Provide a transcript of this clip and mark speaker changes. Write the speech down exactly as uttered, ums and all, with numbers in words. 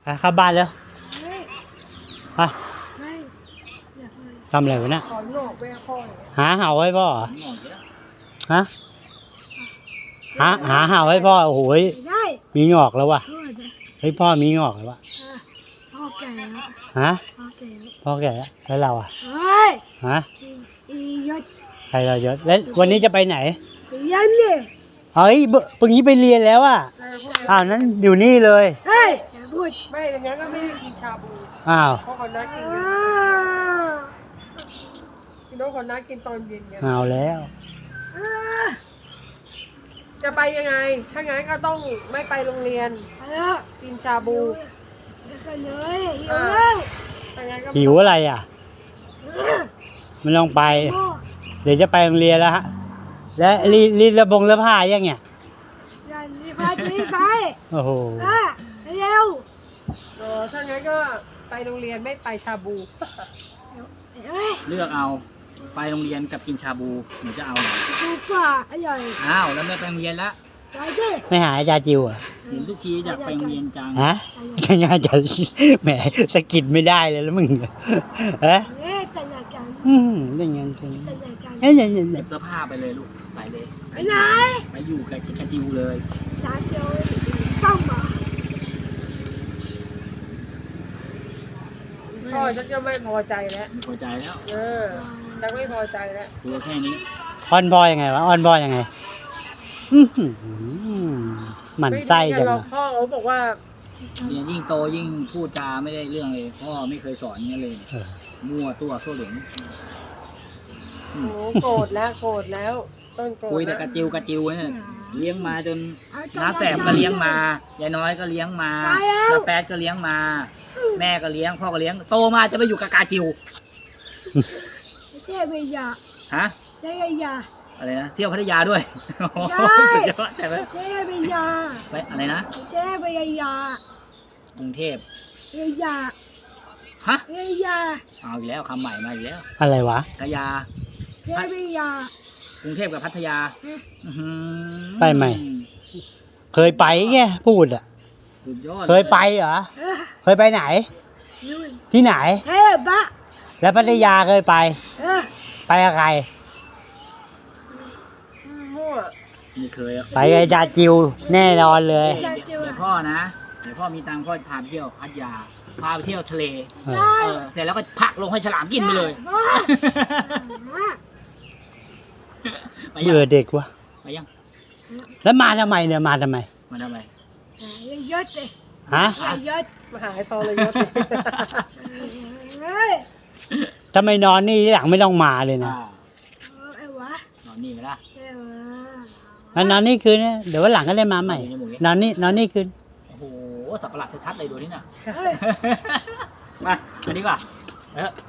Speaker 1: ไปเข้าบ้านแล้ว
Speaker 2: ไม่
Speaker 1: ไป
Speaker 2: ไม่อยากไป
Speaker 1: ทำอะไรวะเนี่ย
Speaker 2: ขอหนอกไปพ่อหน่อย
Speaker 1: หาเห่าให้พ่อเหรอ
Speaker 3: หมดแล้ว
Speaker 1: ฮะหาหาเห่าให้พ่อโอ้โหย
Speaker 2: ไม่ได้
Speaker 1: มีงอกแล้วว่ะ
Speaker 2: พ่อจะ
Speaker 1: เฮ้ยพ่อมีงอกแล้วว่ะ
Speaker 2: อ่ะพ่อแก่แล้ว
Speaker 1: ฮะ
Speaker 2: พ่อแก่แล้ว
Speaker 1: พ่อแก่แล้วแล้วเราอ่ะ
Speaker 2: เฮ้ย
Speaker 1: ฮะ
Speaker 2: อีอียศ
Speaker 1: ใครเราเยอะแล้ววันนี้จะไปไหน
Speaker 2: ไปยันดิ
Speaker 1: เฮ้ยเบปึงนี้ไปเรียนแล้วอ่ะอ้าวนั้นอยู่นี่เลย
Speaker 2: เฮ้ยอย่าพูด
Speaker 4: ไม่อย่างนั้นก็ไม่ได้กินชาบู
Speaker 1: อ้าว
Speaker 4: เพราะเขานัดกิน
Speaker 2: อ้
Speaker 4: กัน
Speaker 2: าว
Speaker 4: พี่น้องเขานัดกินตอนเย็นกัน
Speaker 1: เอาแล้ว
Speaker 2: อ้าว
Speaker 4: จะไปยังไง ถ้างั้นก็ต้องไม่ไปโรงเรียน
Speaker 2: ไปแล้ว
Speaker 4: กินชาบู
Speaker 2: เดี๋ยวกันเลยหิวแล้ว
Speaker 4: ถ้างั้นก็
Speaker 1: หิวอะไรอ่ะไม่ต้องไป
Speaker 2: พ่อ
Speaker 1: เดี๋ยวจะไปโรงเรียนแล้วฮะแล้วรีรีดระบงระผ้ายังเนี่ย
Speaker 2: อย่าหนีไปหนีไป
Speaker 1: โอ้โห
Speaker 2: อ่ะเร็ว
Speaker 4: เออถ้างั้นก็ไปโรงเรียนไม่ไปชาบู
Speaker 2: เฮ้ย
Speaker 3: เลือกเอาไปโรงเรียนกับกินชาบูหนูจะเอาไหน
Speaker 2: ดูกว่าอร่อย
Speaker 3: อ้าวแล้วไม่ไปโรงเรียนละ
Speaker 2: ไปดิ
Speaker 1: ไม่หาอาจารย์จิวอ่ะ
Speaker 3: เห็นทุกทีอยากไปโรงเรียนจัง
Speaker 1: ฮะยังไงจะแหมสะกิดไม่ได้เลยแล้วมึงฮะ
Speaker 2: เอ๊ะจันยากัน
Speaker 1: อืมยังไงจัง
Speaker 2: จันยากัน
Speaker 1: เอ้ยยังไง
Speaker 3: เก็บเสื้อผ้าไปเลยลูกไปเลย
Speaker 2: ไปไหน
Speaker 3: ไปอยู่กับกระจิวเลย
Speaker 2: ร้านเดียวต้องมา
Speaker 4: พ่อฉันก็ไม่พอใจแล้ว
Speaker 3: ไม่พอใจแล้ว
Speaker 4: เออฉันไม่พอใจแล้ว
Speaker 3: ตัวแค่นี้
Speaker 1: อ้อนบอยยังไงวะอ้อนบอยยังไงอื้อหือหมั่นไส้
Speaker 4: ไม่
Speaker 1: จั
Speaker 4: ดี
Speaker 1: ง
Speaker 4: หรอกพ่อเขาบอกว่า
Speaker 3: เรียนยิ่งโตยิ่งพูดจาไม่ได้เรื่องเลยพ่อไม่เคยสอนอย่างนี้เลย
Speaker 1: เออ
Speaker 3: มั่วตัวโซ่เหลง
Speaker 4: โอ้โกรธแล้วโกรธแล้วต้นโกรธ
Speaker 3: คุยแต่
Speaker 4: แล้ว
Speaker 3: กระจิวกระจิวเนี่ยเลี้ยงมาจนน้าแสบก็เลี้ยงมายายน้อยก็เลี้ยงมาน้าแป๊ดก็เลี้ยงมา แม่ก็เลี้ยงพ่อก็เลี้ยงโตมาจะไปอยู่กับกาจิว
Speaker 2: เจ๊ไปยา
Speaker 3: ฮะ
Speaker 2: เจ๊ไปยา
Speaker 3: อะไรนะเที่ยวพัทยาด้วยโอ้โห
Speaker 2: ใช่
Speaker 3: สุดยอดใช่ไหม
Speaker 2: เจ๊ไปยา
Speaker 3: ไปอะไรนะ
Speaker 2: เจ๊ไปยาก
Speaker 3: รุงเทพ
Speaker 2: ไปยา
Speaker 3: ฮะ
Speaker 2: ไปยา
Speaker 3: เอาอีกแล้วคำใหม่มาอีกแล้ว
Speaker 1: อะไรวะ
Speaker 3: กายา
Speaker 2: เจ๊ไปยาก
Speaker 3: รุงเทพกับพัทยาอื้อหือ
Speaker 1: ไปไหม เคยไปไงพูดอ่ะ
Speaker 3: สุดยอด
Speaker 1: เคยไปเหรอ
Speaker 2: เออ
Speaker 1: เคยไปไหน
Speaker 2: นู่น
Speaker 1: ที่ไหน
Speaker 2: เทพบะ
Speaker 1: แล้วพัทยาเคยไป
Speaker 2: เออ
Speaker 1: ไปกับใคร
Speaker 4: มั่ว
Speaker 3: ไม่เคยอะ
Speaker 1: ไปกับอาจารย์จิวแน่นอนเลย
Speaker 3: เดี๋ยวเดี๋ยวพ่อนะเดี๋ยวพ่อมีตังค์พ่อพาไปเที่ยวพัทยาพาไปเที่ยวทะเล
Speaker 1: เออ
Speaker 2: ได้
Speaker 3: เออเสร็จแล้วก็พักลงให้ฉลามกินไปเลย
Speaker 2: พ่อ
Speaker 3: ไปยัง
Speaker 1: เบื่อเด็กวะ
Speaker 3: ไปยัง
Speaker 1: แล้วมาทำไมเนี่ยมาทำไม
Speaker 3: มาทำไม
Speaker 2: อย่ายศเลย
Speaker 1: ฮะ
Speaker 2: อย่ายศ
Speaker 4: มหาทรยศ
Speaker 2: เฮ้ย
Speaker 1: ทำไมนอนนี่หลังไม่ต้องมาเลยนะ
Speaker 3: อ่า
Speaker 2: ไอ้วะ
Speaker 3: นอนนี่ไหมล่ะ
Speaker 2: ไอ้วะ
Speaker 1: งั้นนอนนี่คืนนะเดี๋ยววันหลังก็ได้มาใหม่ นอนนี่นอนนี่คืน
Speaker 3: โอ้โหสับประหลาดชัดๆเลยดูที่น่ะ
Speaker 2: เฮ้ย
Speaker 3: มาอันนี้ป่ะเออ